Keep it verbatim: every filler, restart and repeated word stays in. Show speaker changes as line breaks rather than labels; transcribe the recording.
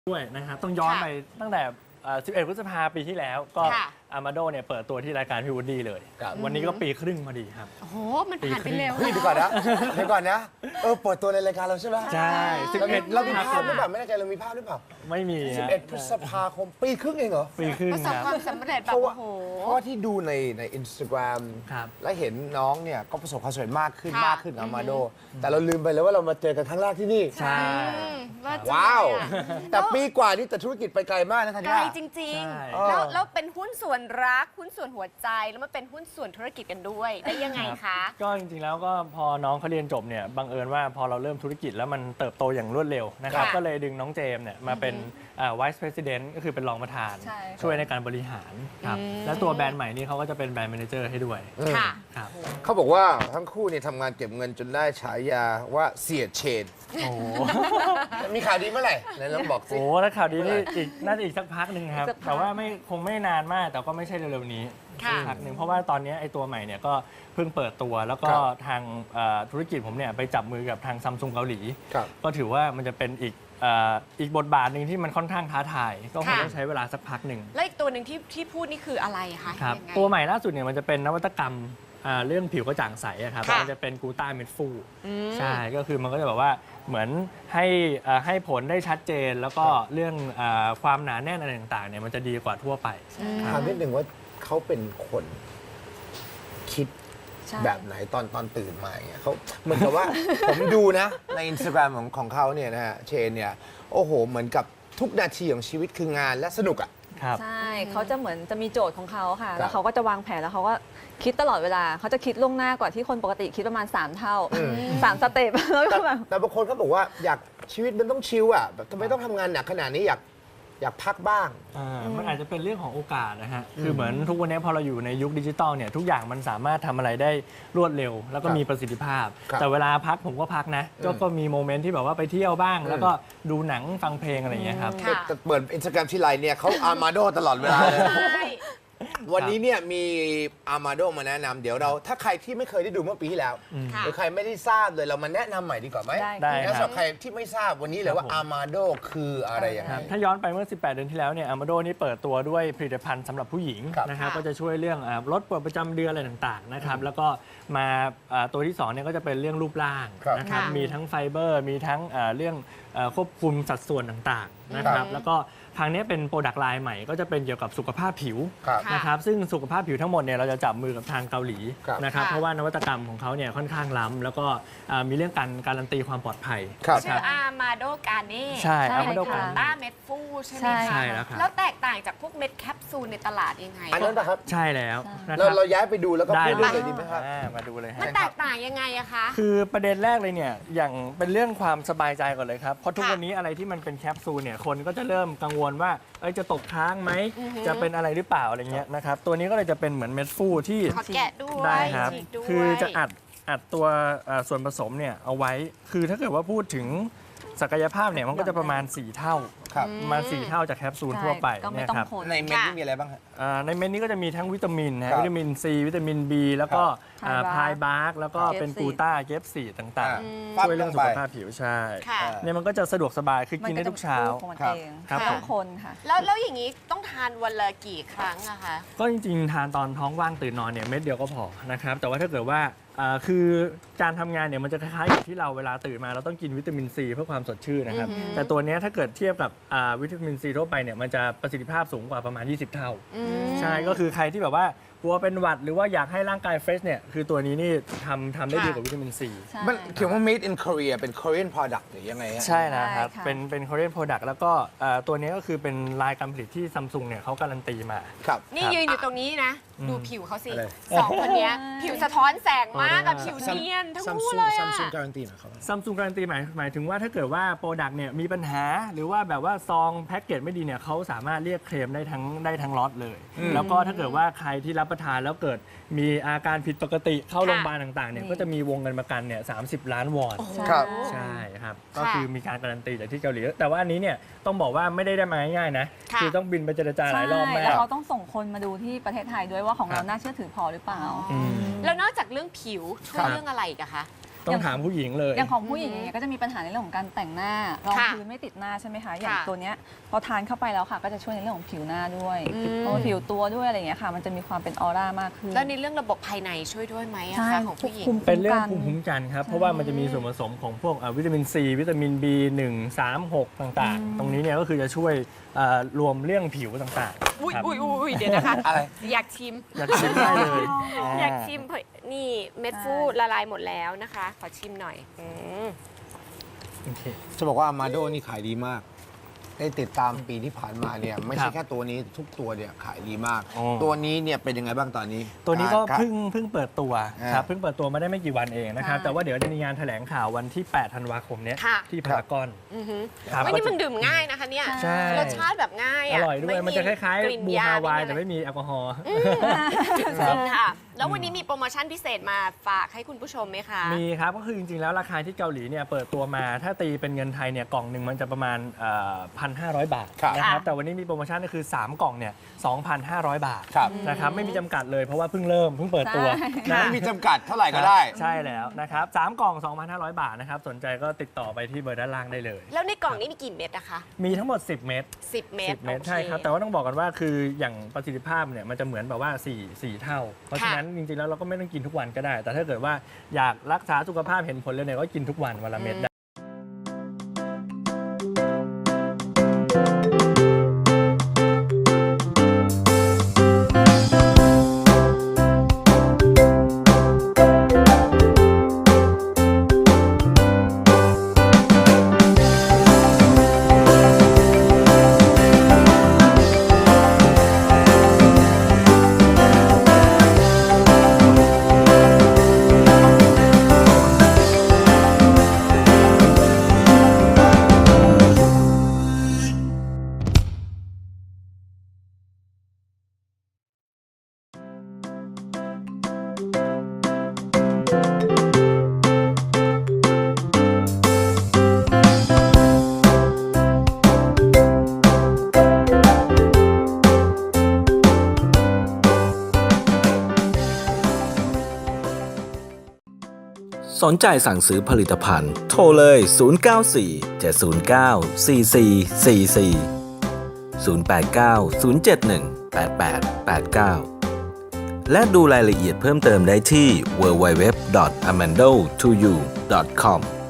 ด้วยนะครับต้องย้อนไปตั้งแต่สิบเอ็ดพฤษภาปีที่แล้วก็อามาโดเนี่ยเปิดตัวที่รายการพี่วูดดี้เลยวันนี้ก็ปีครึ่งพอดีครับ
โอ้โหมันผ่านไปเร็ว
เฮ้ยเดี๋ยวก่อนนะเดี๋ยวก่อนนะเออเปิดตัวในรายการเราใช่ไหม
ใช่สิบเอ็ด
เรามีภาพหรือเปล่าไม่แน่ใจเรามีภาพหรือเปล่า
ไม่มี
สิบเอ็ดพฤษภาคมปีครึ่งเองเหรอ
ปีครึ่ง
ประสบความสำเร็จแบบ
โอ้
โห
เพราะว่าที่ดูในในอินสตาแกรมและเห็นน้องเนี่ยก็ประสบความสำเร็จมากขึ้นมากขึ้นกับอามาโดแต่เราลืมไปแล้วว่าเรามาเจอกันครั้งแรกที่นี่
ใช่
ว้าวแต่ปีกว่านี้แต่ธุรกิจไปไกลมากนะท่าน
ไกลจริงๆแล้วแล้วเป็นหุ้นส่วนรักหุ้นส่วนหัวใจแล้วมันเป็นหุ้นส่วนธุรกิจกันด้วยได้ยังไงคะ
ก็จริงๆแล้วก็พอน้องเขาเรียนจบเนี่ยบังเอิญว่าพอเราเริ่มธุรกิจแล้วมันเติบโตอย่างรวดเร็วนะครับก็เลยดึงน้องเจมเนี่ยมาเป็น Vice President ก็คือเป็นรองประธานช่วยในการบริหารครับและตัวแบรนด์ใหม่นี้เขาก็จะเป็นแบรนด์แมเนเจอร์ให้ด้วย
ค่ะ
เขาบอกว่าทั้งคู่เนี่ยทำงานเก็บเงินจนได้ฉายาว่าเสียเชน
โอ้
มีข่าวดีเมื่อไหร่ไหนลองบอกสิ
โอ้แล้วข่าวดีนี่อีกน่าจะอีกสักพักหนึ่งครับแต่ว่าไม่คงไม่นานมากแต่ก็ไม่ใช่เร็วๆนี้พักหนึ่งเพราะว่าตอนนี้ไอ้ตัวใหม่เนี่ยก็เพิ่งเปิดตัวแล้วก็ทางธุรกิจผมเนี่ยไปจับมือกับทางซัมซุงเกาหลีก็ถือว่ามันจะเป็นอีกอีกบทบาทหนึ่งที่มันค่อนข้างท้าทายก็คงต้องใช้เวลาสักพักหนึ่ง
แล้วอีกตัวหนึ่งที่ที่พูดนี่คืออะไรคะ
ครับตัวใหม่ล่าสุดเนี่ยมันจะเป็นนวัตกรรมเรื่องผิวกระจ่างใสครับมันจะเป็นกูต้าเม็ดฟูใช่ก็คือมันก็จะแบบว่าเหมือนให้ให้ผลได้ชัดเจนแล้วก็เรื่องความหนาแน่นอะไรต่างๆเนี่ยมันจะดีกว่าทั่วไป
ถามนิดหนึ่งว่าเขาเป็นคนคิดแบบไหนตอนตอนตื่นมาอย่างเงี้ยเขาเหมือนกับว่า ผมดูนะในอินสตาแกรมของของเขาเนี่ยนะฮะเชนเนี่ยโอ้โหเหมือนกับทุกนาทีของชีวิตคืองานและสนุกอ่ะ
ใช่เขาจะเหมือนจะมีโจทย์ของเขาค่ะแล้วเขาก็จะวางแผนแล้วเขาก็คิดตลอดเวลาเขาจะคิดล่วงหน้ากว่าที่คนปกติคิดประมาณสามเท่าสามสเต็ปแล้วก็แบบ
แต่บางคนเขาบอกว่าอยากชีวิตมันต้องชิลอ่ะแบบทำไมต้องทำงานหนักขนาดนี้อยากอยากพักบ้าง
มันอาจจะเป็นเรื่องของโอกาสนะฮะคือเหมือนทุกวันนี้พอเราอยู่ในยุคดิจิตอลเนี่ยทุกอย่างมันสามารถทำอะไรได้รวดเร็วแล้วก็มีประสิทธิภาพแต่เวลาพักผมก็พักนะก็มีโมเมนต์ที่แบบว่าไปเที่ยวบ้างแล้วก็ดูหนังฟังเพลงอะไรอย่างเงี้ยครับ
แต่เปิดอินสตาแกรมที่ไรเนี่ยเขาอามาโดตลอดเวลาเลยวันนี้เนี่ยมีอามาโดมาแนะนำเดี๋ยวเราถ้าใครที่ไม่เคยได้ดูเมื่อปีที่แล้วหรือใครไม่ได้ทราบเลยเรามาแนะนำใหม่ดีกว่าไหม
ได้
แล้วสำหรับใครที่ไม่ทราบวันนี้เลยว่าอามาโดคืออะไรอย่างไร
ถ้าย้อนไปเมื่อสิบแปดเดือนที่แล้วเนี่ยอามาโดนี่เปิดตัวด้วยผลิตภัณฑ์สำหรับผู้หญิงนะครับก็จะช่วยเรื่องลดปวดประจำเดือนอะไรต่างๆนะครับแล้วก็มาตัวที่สองเนี่ยก็จะเป็นเรื่องรูปร่างนะครับมีทั้งไฟเบอร์มีทั้งเรื่องควบคุมสัดส่วนต่างๆนะครับแล้วก็ทางนี้เป็นโปรดักต์ไลน์ใหม่ก็จะเป็นเกี่ยวกับสุขภาพผิวนะครับซึ่งสุขภาพผิวทั้งหมดเนี่ยเราจะจับมือกับทางเกาหลีนะครับเพราะว่านวัตกรรมของเขาเนี่ยค่อนข้างล้ำแล้วก็มีเรื่องการการันตีความปลอดภัย
ชื่ออามาโดกาเน่
ใช่อามาโดกา
ต้าเม็ดฟูใช่ไหมคะ
ใช่แล้วครับ
แล้วแตกต่างจากพวกเม็ดแคปซูลในตลาดยังไง
อันนั้นนะครับ
ใช่แล้ว
เราเราย้ายไปดูแล้วก็พูดเลยดีไหมครับ
มาดูเลย
มันแตกต่างยังไงอะคะ
คือประเด็นแรกเลยเนี่ยอย่างเป็นเรื่องความสบายใจก่อนเลยครับเพราะทุกวันนี้อะไรที่มันเป็นแคปซูลเนี่ยคนก็จะเริ่มกังวลว่าจะตกค้างไหมจะเป็นอะไรหรือเปล่าอะไรเงี้ยนะครับตัวนี้ก็เลยจะเป็นเหมือนเม็ดฟูที่
ขอแกะด้วย
ได้ครับคือจะอัดอัดตัวส่วนผสมเนี่ยเอาไว้คือถ้าเกิดว่าพูดถึงศักยภาพเนี่ยมันก็จะประมาณสี่เท่ามาสี่เท่าจากแคปซูลทั่วไปเนี่ยครับ
ในเม็ดนี่มีอะไรบ้างครับ
ในเม็ดนี้ก็จะมีทั้งวิตามินนะวิตามินซีวิตามิน B แล้วก็พายบาร์กแล้วก็เป็นกูต้าเกฟซีต่างๆช่วยเรื่องสุขภาพผิวใช่เนี่ยมันก็จะสะดวกสบายคือกินได้ทุกเช้า
ครับทุกคนค่ะ
แล้วแล้วอย่างนี้ต้องทานวันละกี่ครั้งอะคะ
ก็จริงๆทานตอนท้องว่างตื่นนอนเนี่ยเม็ดเดียวก็พอนะครับแต่ว่าถ้าเกิดว่าคือการทำงานเนี่ยมันจะคล้ายๆกับที่เราเวลาตื่นมาเราต้องกินวิตามินซีเพื่อความสดชื่นนะครับแต่ตัวนี้ถ้าเกิดเทียบกับวิตามินซีทั่วไปเนี่ยมันจะประสิทธิภาพสูงกว่าประมาณยี่สิบเท่าใช่ก็คือใครที่แบบว่ากลัวเป็นหวัดหรือว่าอยากให้ร่างกายเฟรชเนี่ยคือตัวนี้นี่ทำทำได้ดีกว่าวิตามินซี
มันเขียนว่า made in Korea เป็น Korean product หรือยังไง
ใช่นะครับเป็นเป็น Korean product แล้วก็ตัวนี้ก็คือเป็นลายการผลิตที่ซัมซุงเนี่ยเขาการันตีมา
ครับ
นี่ยืนอยู่ตรงนี้นะดูผิวเขาสิสองคนนี้ผิวสะท้อนแสงมากกับผิวเนียนทั้งคู่เลยอะ
ซัมซุงการันตีหมายความ
ซัมซุงการันตีหมายหมายถึงว่าถ้าเกิดว่าโปรดักต์เนี่ยมีปัญหาหรือว่าแบบว่าซองแพ็กเกจไม่ดีเนี่ยเขาสามารถเรียกเคลมได้ทั้งได้ทั้งล็อตเลยแล้วก็ถ้าเกิดว่าใครที่รับประทานแล้วเกิดมีอาการผิดปกติเข้าโรงพยาบาลต่างๆเนี่ยก็จะมีวงเงินประกันเนี่ยสามสิบล้านวอน
ครับ
ใช่ครับก็คือมีการการันตีจากที่เกาหลีแต่ว่าอันนี้เนี่ยต้องบอกว่าไม่ได้ได้มาง่ายๆนะคือต้องบินไปเจรจาหลายรอบมาก
แล้วเขาต้องส่งคนมาดูที่ประเทศไทยด้วยว่าของเราน่าเชื่อถือพอหรือเปล่า
แล้วนอกจากเรื่องผิวช่วยเรื่องอะไรอีกอะคะ
ต้องถามผู้หญิงเลย
อย่างของผู้หญิงอย่างเงี้ยก็จะมีปัญหาในเรื่องของการแต่งหน้ารอง
ค่ะ
พื้นไม่ติดหน้าใช่ไหมคะอย่าง
ค่ะ
ตัวเนี้ยพอทานเข้าไปแล้วค่ะ ก็จะช่วยในเรื่องของผิวหน้าด้วย
อืม
เพราะว่าผิวตัวด้วยอะไรอย่างเงี้ยค่ะ มันจะมีความเป็นออร่ามากขึ้น
แล้วในเรื่องระบบภายในช่วยด้วยไหมอะ
ใช่
คะของผู้หญิง
ภูมิ
เป็นเรื่อง
กัน
ภูมิคุ้มกันครับ เพราะว่ามันจะมีส่วนผสมของพวกอ่าวิตามินซีวิตามิน บี หนึ่ง สาม หก ต่างๆ ตรงนี้เนี่ยก็คือจะช่วยอ่ารวมเรื่องผิวต่าง
อุ้ย
ๆครับ
อุ้ยอุ้ยเดี๋ยวนะคะ
อะไร
อยากชิม
อยากชิมได้เลย
อยากชิมเพราะนี่เม็ดฟูดละลายหมดแล้วนะคะ ขอชิมหน่อยอืม
โอเค
จะบอกว่าอามาโดนี่ขายดีมาก ได้ติดตามปีที่ผ่านมาเนี่ยไม่
ค
ใช่
รับ
แค่ตัวนี้ทุกตัวเนี่ยขายดีมาก
อ๋อ
ตัวนี้เนี่ยเป็นยังไงบ้างตอนนี้
ตัวนี้ก็
ครับ
เพิ่งเพิ่งเปิดตัว
อ่า
ครับเพิ่งเปิดตัวมาได้ไม่กี่วันเองนะครับ
ใช่
แต่ว่าเดี๋ยวจะมีงานแถลงข่าววันที่ แปด ธันวาคมเนี้ย
ค่ะ
ที่พารากอน
อือหือ
ครับ
เฮ้ยนี่มันดื่มง่ายนะคะเนี่ย
ใช่
รสชาติแบบง่าย
อ
อะ
ร่อยด้วยมันจะคล้าย
กลิ่น
ๆบู
ย
ฮาวาย
ไม่
แต่
มี
ไม่มีแอลกอฮอล์
จริงค่ะ แล้ววันนี้มีโปรโมชั่นพิเศษมาฝากให้คุณผู้ชมไหมคะ
มีครับ ก็คือจริงๆ แล้วราคาที่เกาหลีเนี่ยเปิดตัวมาถ้าตีเป็นเงินไทยเนี่ยกล่องหนึ่งมันจะประมาณพันห้าร้อยบาท
ครับ
นะครับ
ค่ะ
แต่วันนี้มีโปรโมชั่นก็คือ สาม กล่องเนี่ยสองพันห้าร้อยบาท
ครับ
นะครับไม่มีจำกัดเลยเพราะว่าเพิ่งเริ่มเพิ่งเปิดตัว
ใช่
นะ
ไม่มีจำกัดเท่าไหร่ก็ได้
ใช่แล้วนะครับสามกล่อง สองพันห้าร้อย บาทนะครับสนใจก็ติดต่อไปที่เบอร์ด้านล่างได้เลย
แล้วในกล่องนี้มีกี่เม็ดนะคะ
มีทั้งหมด สิบ เม็ด
สิบเม็ด
สิบเม็ด
โอ
ใช่ครับ แต่ว่าต้องบอกกันว่าคืออย่างประสิทธิภาพเนี่ยมันจะเหมือนแบบว่าสี่ สี่เท่า เพราะฉะนั้นจริงๆแล้วเราก็ไม่ต้องกินทุกวันก็ได้ แต่ถ้าเกิดว่าอยากรักษาสุขภาพเห็นผลเลยเนี่ยก็กินทุกวันวันละเม็ดได้
สนใจสั่งซื้อผลิตภัณฑ์โทรเลย ศูนย์ เก้า สี่ เจ็ด ศูนย์ เก้า สี่ สี่ สี่ สี่ ศูนย์ แปด เก้า ศูนย์ เจ็ด หนึ่ง แปด แปด แปด เก้า และดูรายละเอียดเพิ่มเติมได้ที่ ดับเบิลยู ดับเบิลยู ดับเบิลยู ดอท amando to you ดอท คอม